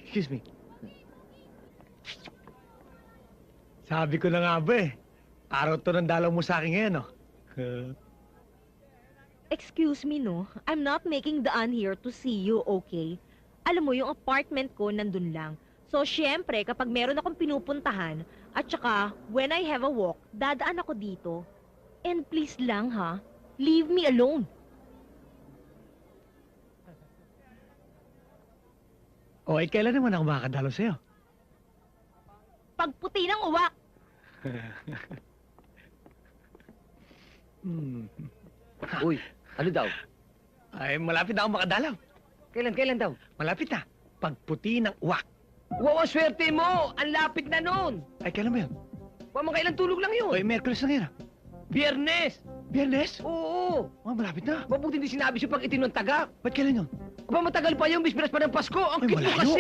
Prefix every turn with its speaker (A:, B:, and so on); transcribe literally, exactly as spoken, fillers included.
A: Excuse me. Sabi ko na nga ba eh. Araw to ng dalaw mo sa akin ngayon, no?
B: Excuse me, no? I'm not making daan here to see you, okay? Alam mo, yung apartment ko nandun lang. So, syempre, kapag meron akong pinupuntahan, at saka, when I have a walk, dadaan ako dito. And please lang, ha? Leave me alone.
A: O, eh, kailan naman ako makakadalaw sa'yo?
B: Pagputi ng uwak!
A: Hmm.
C: Uy, ano daw?
A: Ay, malapit na ako makadalaw.
C: Kailan, kailan daw?
A: Malapit na. Pagputi ng uwak.
C: Wow, ang swerte mo! Ang lapit na nun!
A: Ay, kailan ba yun?
C: Wa mo kailan tulog lang
A: O,
C: yun?
A: eh, Merkulis na ngayon. ah.
C: Biyernes!
A: Biyernes?
C: Oo!
A: Oh, malapit na.
C: Mabuti hindi sinabi siya pag itinong taga.
A: Ba't kailan yun?
C: Aba, matagal pa yung bisperas pa ng Pasko. Ang
A: Ay,
C: cute mo
A: malayo.
C: kasi!